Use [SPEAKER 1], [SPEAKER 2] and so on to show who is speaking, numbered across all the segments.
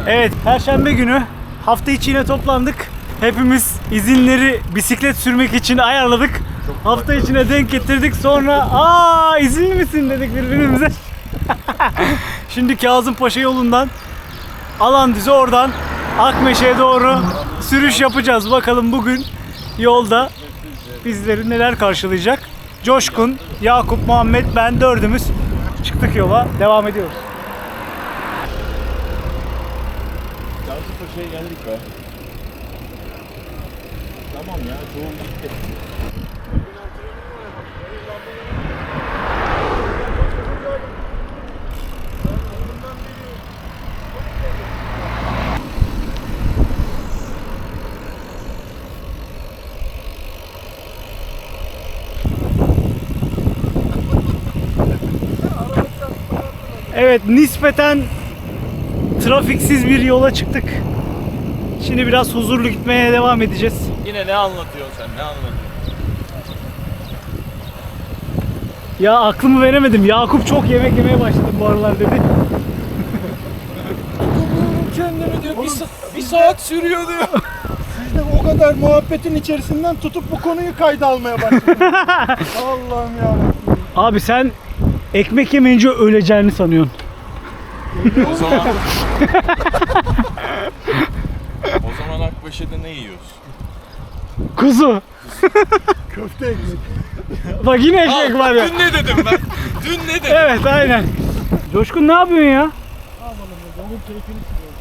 [SPEAKER 1] Evet, Perşembe günü hafta içi yine toplandık. Hepimiz izinleri bisiklet sürmek için ayarladık. Hafta içine denk getirdik. Sonra izinli misin dedik birbirimize. Şimdi Kazımpaşa yolundan Alandüz'e, oradan Akmeşe'ye doğru sürüş yapacağız. Bakalım bugün yolda bizleri neler karşılayacak. Coşkun, Yakup, Muhammed, ben dördümüz çıktık yola. Devam ediyoruz.
[SPEAKER 2] Kazımpaşa'ya geldik be. Tamam ya, çoğu gitti.
[SPEAKER 1] Evet, nispeten trafiksiz bir yola çıktık. Şimdi biraz huzurlu gitmeye devam edeceğiz.
[SPEAKER 2] Yine ne anlatıyorsun sen, ne anlatıyorsun?
[SPEAKER 1] Ya aklımı veremedim. Yakup çok yemek yemeye başladı bu aralar dedi.
[SPEAKER 2] Kendimi diyor, bir saat sürüyor diyor.
[SPEAKER 3] Siz de o kadar muhabbetin içerisinden tutup bu konuyu kayda almaya başladınız. Allah'ım ya.
[SPEAKER 1] Abi sen ekmek yemeyince öleceğini sanıyorsun.
[SPEAKER 2] O zaman... O zaman Akbaşı'da ne yiyoruz?
[SPEAKER 1] Kuzu.
[SPEAKER 3] Köfte ekmek.
[SPEAKER 1] Bak yine ekmek var ya.
[SPEAKER 2] Dün ne dedim ben? Dün ne dedim?
[SPEAKER 1] Evet, aynen. Coşkun ne yapıyorsun ya?
[SPEAKER 3] Onun keyfini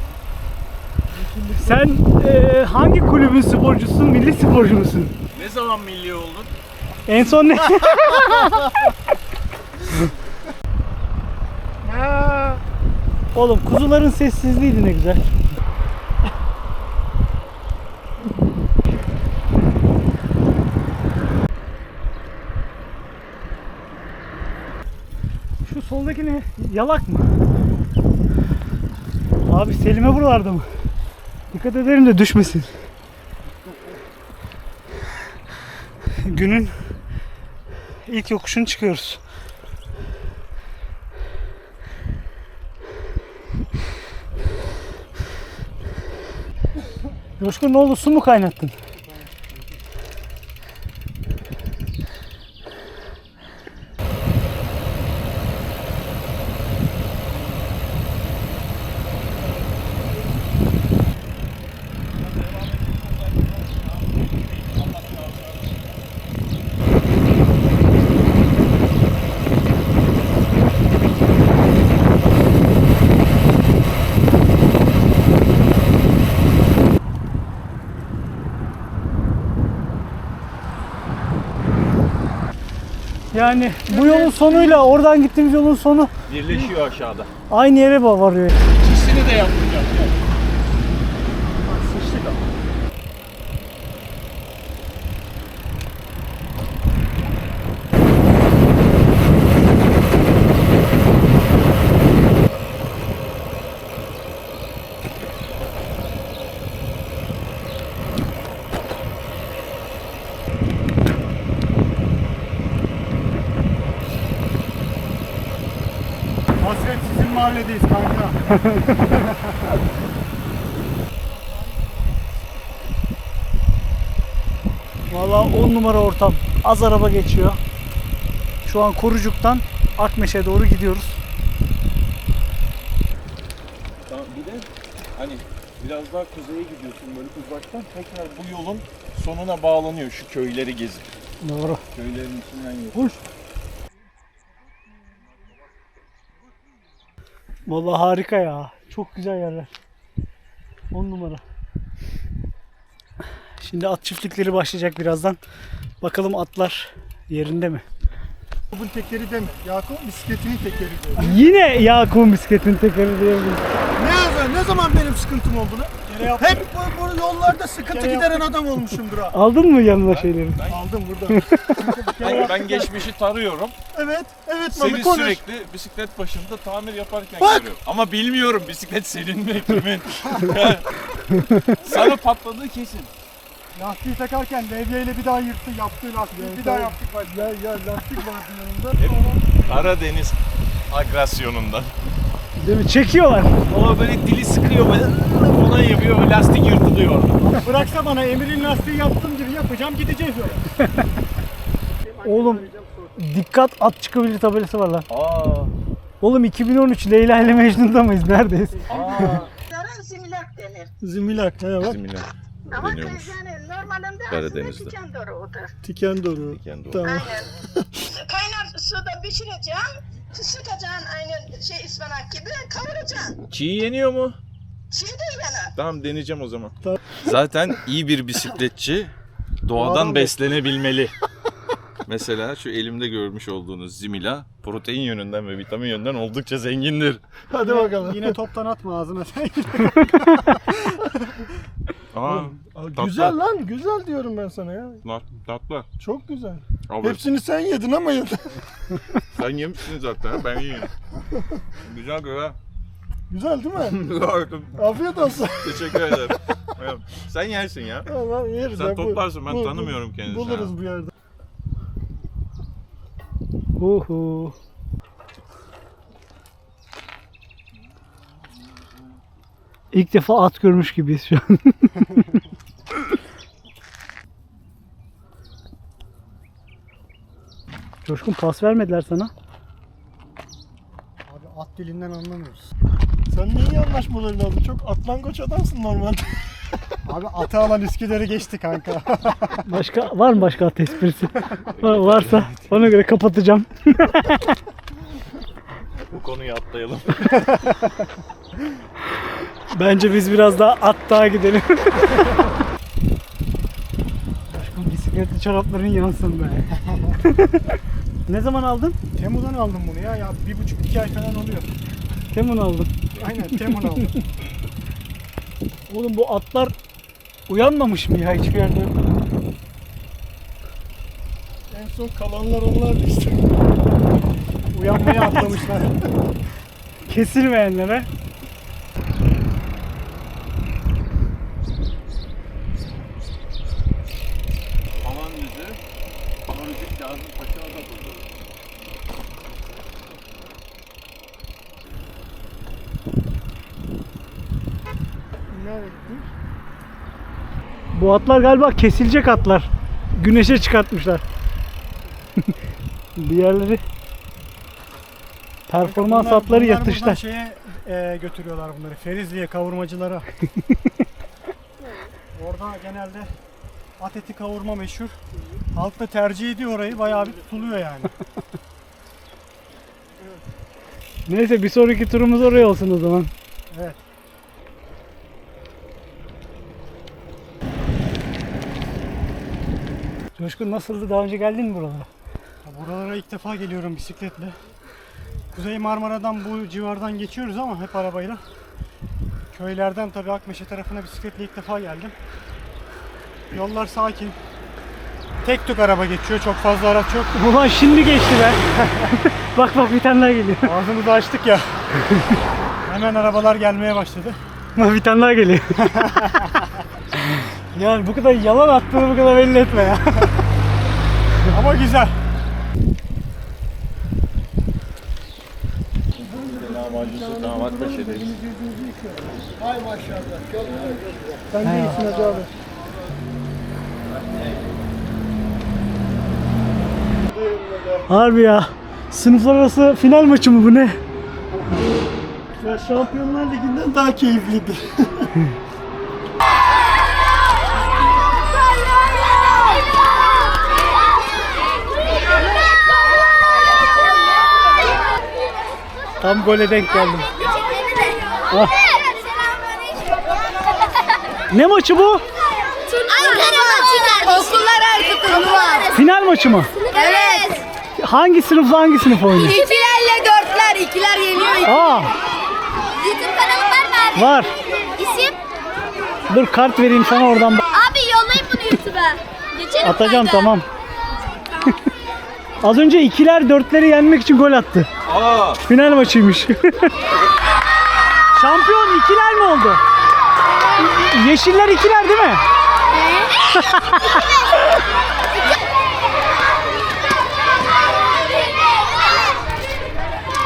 [SPEAKER 1] Sen hangi kulübün sporcusun? Milli sporcu musun?
[SPEAKER 2] Ne zaman milli oldun?
[SPEAKER 1] En son ne? Oğlum kuzuların sessizliğiydi ne güzel. Şu soldaki ne? Yalak mı? Abi Selim'e buralarda mı? Dikkat ederim de düşmesin. Günün ilk yokuşunu çıkıyoruz. Coşkun ne oldu? Su mu kaynattın? Yani bu yolun sonuyla oradan gittiğimiz yolun sonu
[SPEAKER 2] Birleşiyor aşağıda.
[SPEAKER 1] aynı yere varıyor.
[SPEAKER 2] İkisini de yapmayacağım yani.
[SPEAKER 3] sıçtık ama. Hasret sizin mahalledeyiz kanka.
[SPEAKER 1] Vallahi 10 numara ortam. Az araba geçiyor. Şu an Korucuk'tan Akmeşe'ye doğru gidiyoruz.
[SPEAKER 2] Tamam, bir de hani biraz daha kuzeye gidiyorsun böyle uzaktan, tekrar bu yolun sonuna bağlanıyor şu köyleri gezip.
[SPEAKER 1] Doğru.
[SPEAKER 2] Köylerin içinden geçiyor.
[SPEAKER 3] Hoş.
[SPEAKER 1] Vallahi harika ya. Çok güzel yerler. 10 numara. Şimdi at çiftlikleri başlayacak birazdan. Bakalım atlar yerinde mi?
[SPEAKER 3] Yakup'un tekeri deme. Yakup bisikletinin tekeri diyor.
[SPEAKER 1] Yine Yakup'un bisikletin tekeri diyebiliriz.
[SPEAKER 3] Ne zaman benim sıkıntım oldu lan? Hep bu yollarda sıkıntı gideren adam olmuşumdur ha.
[SPEAKER 1] Aldın mı yanına şeyleri?
[SPEAKER 3] Aldım burada.
[SPEAKER 2] Ben geçmişi tarıyorum.
[SPEAKER 3] Evet Malı
[SPEAKER 2] Seni
[SPEAKER 3] konuş.
[SPEAKER 2] sürekli bisiklet başında tamir yaparken
[SPEAKER 3] Bak!
[SPEAKER 2] görüyorum. Ama bilmiyorum bisiklet senin mi kimin? Sana patladığı kesin.
[SPEAKER 3] Lastiği takarken levyeyle bir daha yırttı, yaptığı lastiği bir daha yaptık. Ya lastik vardı yanında.
[SPEAKER 2] Karadeniz agresyonundan.
[SPEAKER 1] Değil mi? Çekiyorlar.
[SPEAKER 2] Ama böyle dili sıkıyor böyle falan yapıyor. Lastik yırtılıyor orada.
[SPEAKER 3] Bıraksa bana Emir'in lastiği yaptığım gibi yapacağım, gideceğiz öyle.
[SPEAKER 1] Oğlum dikkat at çıkabilir tabelası var lan.
[SPEAKER 2] Aa.
[SPEAKER 1] Oğlum 2013 Leyla ile Mecnun'da mıyız? Neredeyiz?
[SPEAKER 4] Zimilak denir.
[SPEAKER 3] Zimilak, he bak.
[SPEAKER 2] Bizimle.
[SPEAKER 4] Ama
[SPEAKER 2] Deniyormuş.
[SPEAKER 4] yani normalinde
[SPEAKER 2] Karadeniz'de.
[SPEAKER 4] aslında diken doruğudur.
[SPEAKER 3] Tiken doğru.
[SPEAKER 2] Tiken doğru.
[SPEAKER 3] Tamam.
[SPEAKER 4] Aynen. Kaynar suda pişireceksin, sıkacaksın aynen ıspanak gibi kavuracaksın.
[SPEAKER 2] Çiğ yeniyor mu?
[SPEAKER 4] Çiğ de yanar.
[SPEAKER 2] Tamam deneyeceğim o zaman.
[SPEAKER 3] Tamam.
[SPEAKER 2] Zaten iyi bir bisikletçi doğadan
[SPEAKER 3] Doğadan
[SPEAKER 2] beslenebilmeli. Mesela şu elimde görmüş olduğunuz Zimila protein yönünden ve vitamin yönünden oldukça zengindir.
[SPEAKER 3] Hadi bakalım. Yine toptan atma ağzına sen.
[SPEAKER 2] Aa,
[SPEAKER 3] Güzel lan, güzel diyorum ben sana ya.
[SPEAKER 2] tatlı.
[SPEAKER 3] Çok güzel.
[SPEAKER 2] Abi,
[SPEAKER 3] Hepsini sen yedin ama yedin.
[SPEAKER 2] sen yemişsin zaten, ben yiyeyim. Güzel güzel.
[SPEAKER 3] Güzel değil mi?
[SPEAKER 2] Güzel.
[SPEAKER 3] Afiyet olsun.
[SPEAKER 2] Teşekkür ederim. Evet, sen yersin ya.
[SPEAKER 3] Tamam, yeriz.
[SPEAKER 2] Sen
[SPEAKER 3] ya.
[SPEAKER 2] toplarsın, ben tanımıyorum kendisini.
[SPEAKER 3] Buluruz bir yerde.
[SPEAKER 1] Uhu. İlk defa at görmüş gibiyiz şu an. Coşkun pas vermediler sana.
[SPEAKER 3] Abi at dilinden anlamıyoruz. Sen niye iyi anlaşmaları lazım? Çok atlangoç adamsın normalde. Abi atı alan Üsküdar'ı geçti kanka.
[SPEAKER 1] Başka var mı başka at esprisi? Varsa ona göre kapatacağım.
[SPEAKER 2] Bu konuyu atlayalım.
[SPEAKER 1] Bence biz biraz daha at daha gidelim. Coşkun bisikletli çorapların yansın be. Ne zaman aldın?
[SPEAKER 3] Temu'dan aldım bunu ya. 1,5-2 ay falan oluyor.
[SPEAKER 1] Temun aldın.
[SPEAKER 3] Aynen Temu'dan aldım.
[SPEAKER 1] Oğlum bu atlar uyanmamış mı ya hiçbir yerde?
[SPEAKER 3] En son kalanlar onlardı işte. Uyanmaya atlamışlar.
[SPEAKER 1] Kesilmeyenlere.
[SPEAKER 2] Aman yüzü, Amarıcık Kazım Paşa'na da buldu.
[SPEAKER 3] Nereye gitti?
[SPEAKER 1] Bu atlar galiba kesilecek atlar. Güneşe çıkartmışlar. Diğerleri performans atları
[SPEAKER 3] Bunlar
[SPEAKER 1] yatışta.
[SPEAKER 3] buradan şeye götürüyorlar bunları. Ferizli'ye, kavurmacılara. Orada genelde at eti kavurma meşhur. Halk da tercih ediyor orayı. Bayağı bir tutuluyor yani.
[SPEAKER 1] Neyse bir sonraki turumuz oraya olsun o zaman.
[SPEAKER 3] Evet.
[SPEAKER 1] Coşkun nasıldı? Daha önce geldin mi buralara?
[SPEAKER 3] Buralara ilk defa geliyorum bisikletle. Kuzey Marmara'dan bu civardan geçiyoruz ama hep arabayla. Köylerden tabii Akmeşe tarafına bisikletle ilk defa geldim. Yollar sakin. Tek tük araba geçiyor, çok fazla araç yok.
[SPEAKER 1] Ulan şimdi geçti be. Bak bak bir tane daha geliyor.
[SPEAKER 3] Ağzımızı açtık ya. Hemen arabalar gelmeye başladı.
[SPEAKER 1] Bak bir tane daha geliyor. Yani bu kadar yalan attığını bu kadar belli etme ya.
[SPEAKER 3] Ama güzel.
[SPEAKER 2] Lahmacuncu damat Paşa'dayız.
[SPEAKER 3] Sen de iyisin Hacı abi.
[SPEAKER 1] Harbi ya. Sınıflar arası final maçı mı bu ne?
[SPEAKER 3] Ya Şampiyonlar Ligi'nden daha keyifliydi.
[SPEAKER 1] Tam gole denk geldim. Ah. Ne maçı bu?
[SPEAKER 5] Ankara maçı kardeşim. Okullar arası turnuva.
[SPEAKER 1] Final maçı mı?
[SPEAKER 5] Evet.
[SPEAKER 1] Hangi sınıfla hangi sınıf oynuyor?
[SPEAKER 5] İkilerle dörtler. İkiler yeniyor.
[SPEAKER 1] Aa,
[SPEAKER 5] YouTube kanalın var mı abi?
[SPEAKER 1] var.
[SPEAKER 5] İsim?
[SPEAKER 1] Dur kart vereyim sana oradan.
[SPEAKER 5] Abi yollayın bunu YouTube'a. Geçelim
[SPEAKER 1] Atacağım
[SPEAKER 5] kanka.
[SPEAKER 1] tamam. Az önce ikiler dörtleri yenmek için gol attı.
[SPEAKER 2] Aa!
[SPEAKER 1] Final maçıymış. Şampiyon ikiler mi oldu? Yeşiller ikiler değil mi?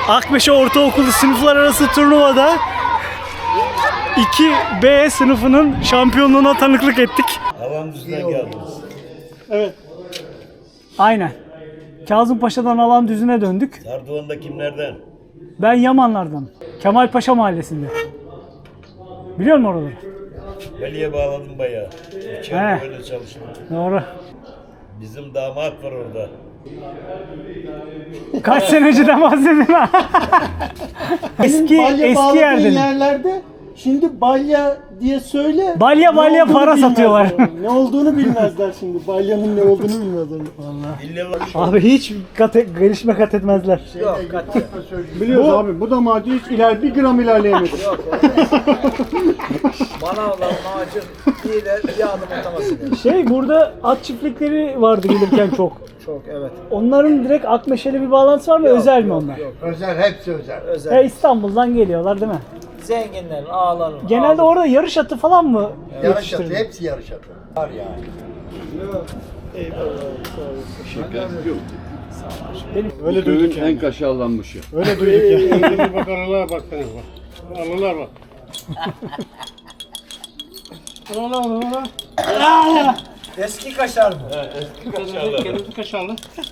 [SPEAKER 1] Akmeşe Ortaokulu sınıflar arası turnuvada 2B sınıfının şampiyonluğuna tanıklık ettik.
[SPEAKER 6] Havan düzüne geldiniz.
[SPEAKER 3] Evet.
[SPEAKER 1] Aynen. Kazımpaşa'dan alan düzüne döndük.
[SPEAKER 6] Sardıvan'da kimlerden?
[SPEAKER 1] Ben Yamanlardan. Kemalpaşa Mahallesi'nde. Biliyor musun oraları?
[SPEAKER 6] Veli'ye bağladım bayağı.
[SPEAKER 1] He.
[SPEAKER 6] İçeride böyle çalıştım.
[SPEAKER 1] Doğru.
[SPEAKER 6] Bizim damat var orada.
[SPEAKER 1] Kaç sene önceden bahsedin ha? eski
[SPEAKER 7] bağladığın
[SPEAKER 1] yerden.
[SPEAKER 7] yerlerde şimdi balya diye söyle.
[SPEAKER 1] Balya
[SPEAKER 7] ne
[SPEAKER 1] balya
[SPEAKER 7] olduğunu
[SPEAKER 1] para
[SPEAKER 7] bilmezler.
[SPEAKER 1] satıyorlar.
[SPEAKER 7] Ne olduğunu bilmezler şimdi. Balyanın ne olduğunu bilmezler.
[SPEAKER 6] İlle var.
[SPEAKER 1] Abi hiç gelişme kat etmezler.
[SPEAKER 3] Biliyoruz abi. Bu da madde hiç bir gram ilerleyemedi.
[SPEAKER 8] Bana olan ağacın bir adım atamasın.
[SPEAKER 1] Burada at çiftlikleri vardı gelirken çok.
[SPEAKER 8] Çok evet.
[SPEAKER 1] Onların direkt Akmeşe'yle bir bağlantısı var mı? Özel mi onlar?
[SPEAKER 7] Özel, hepsi özel.
[SPEAKER 8] Özel.
[SPEAKER 1] İstanbul'dan geliyorlar değil mi?
[SPEAKER 8] Zenginlerin, ağaların.
[SPEAKER 1] Genelde orada yarış atı falan mı
[SPEAKER 7] Yarış atı,
[SPEAKER 1] yetiştiriliyor?
[SPEAKER 7] hepsi yarış atı. Var yani.
[SPEAKER 3] Öyle duyduk yani.
[SPEAKER 9] En kaşarlanmışı.
[SPEAKER 3] Öyle duyduk yani. Bak arılar bak. Arılar bak.
[SPEAKER 8] Eski kaşar mı?
[SPEAKER 3] Kendi kaşarlı.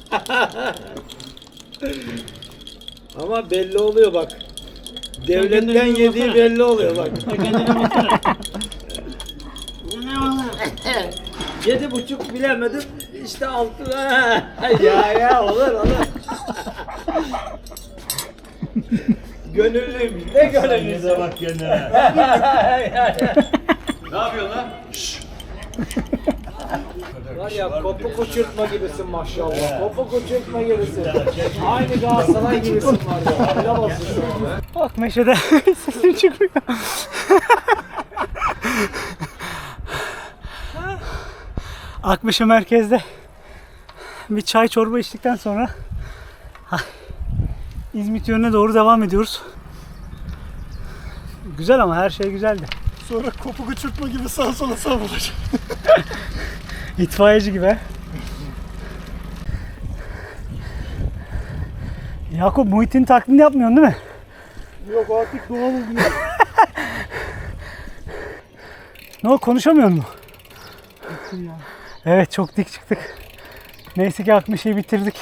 [SPEAKER 8] Ama belli oluyor bak. Devletten yediği belli oluyor bak. Yedi buçuk bilemedim. İşte altı. ya olur. Gönüllüymüş. Ne gönüllüsü?
[SPEAKER 6] Bize bak kendine.
[SPEAKER 8] Var ya kopuk uçurtma gibisin maşallah. Kopuk uçurtma gibisin. Aynı Galatasaray gibisin var ya. Helal olsun sana.
[SPEAKER 1] Akmeşe'de sesim çıkmıyor. Akmeşe merkezde bir çay çorba içtikten sonra İzmit yönüne doğru devam ediyoruz. Güzel ama her şey güzeldi.
[SPEAKER 3] Sonra kopuk uçurtma gibi sağa sola savrulacak.
[SPEAKER 1] İtfaiyeci gibi. Yakup Muhittin taklidini yapmıyorsun değil mi?
[SPEAKER 3] Yok artık doğal oluyor.
[SPEAKER 1] Ne o konuşamıyor mu? Evet çok dik çıktık. Neyse ki Akmeşe'yi bitirdik.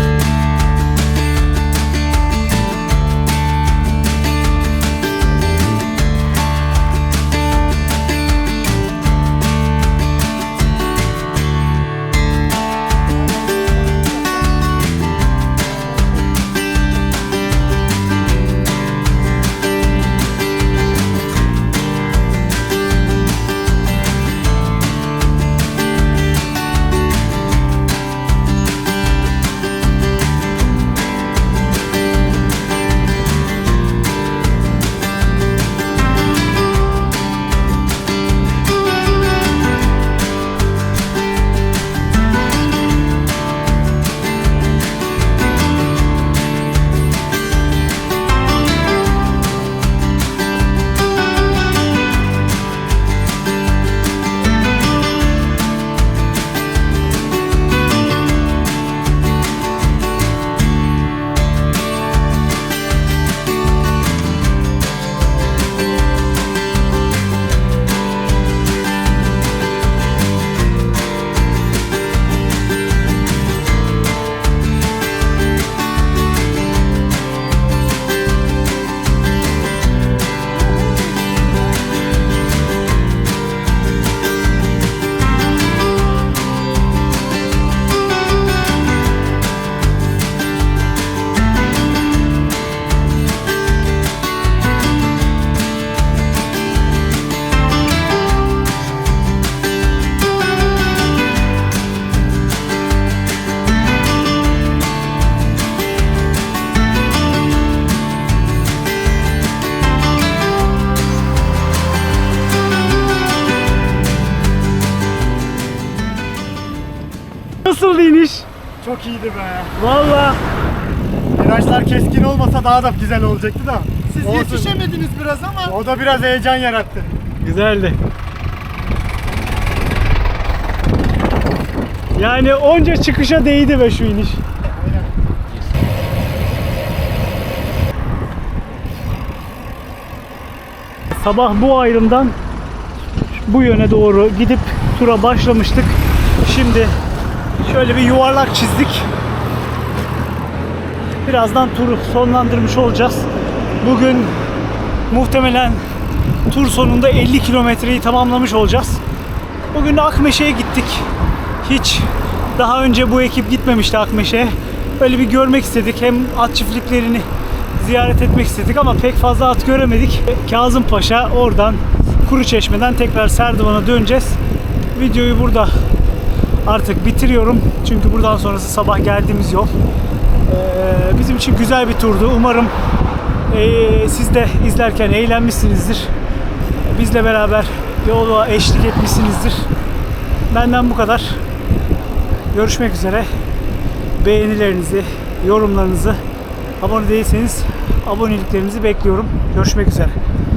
[SPEAKER 1] Nasıldı iniş?
[SPEAKER 3] Çok iyiydi be.
[SPEAKER 1] Valla.
[SPEAKER 3] Virajlar keskin olmasa daha da güzel olacaktı da. Siz
[SPEAKER 7] Yetişemediniz biraz ama.
[SPEAKER 3] O da biraz heyecan yarattı.
[SPEAKER 1] Güzeldi. Yani onca çıkışa değdi be şu iniş. Sabah bu ayrımdan bu yöne doğru gidip tura başlamıştık. Şimdi şöyle bir yuvarlak çizdik. Birazdan turu sonlandırmış olacağız. Bugün muhtemelen tur sonunda 50 kilometreyi tamamlamış olacağız. Bugün de Akmeşe'ye gittik. Hiç daha önce bu ekip gitmemişti Akmeşe'ye. Böyle bir görmek istedik. Hem at çiftliklerini ziyaret etmek istedik ama pek fazla at göremedik. Kazımpaşa, oradan Kuruçeşme'den tekrar Serdivan'a döneceğiz. Videoyu burada artık bitiriyorum. Çünkü buradan sonrası sabah geldiğimiz yol. Bizim için güzel bir turdu. Umarım siz de izlerken eğlenmişsinizdir. Bizle beraber yola eşlik etmişsinizdir. Benden bu kadar. Görüşmek üzere. Beğenilerinizi, yorumlarınızı, abone değilseniz aboneliklerinizi bekliyorum. Görüşmek üzere.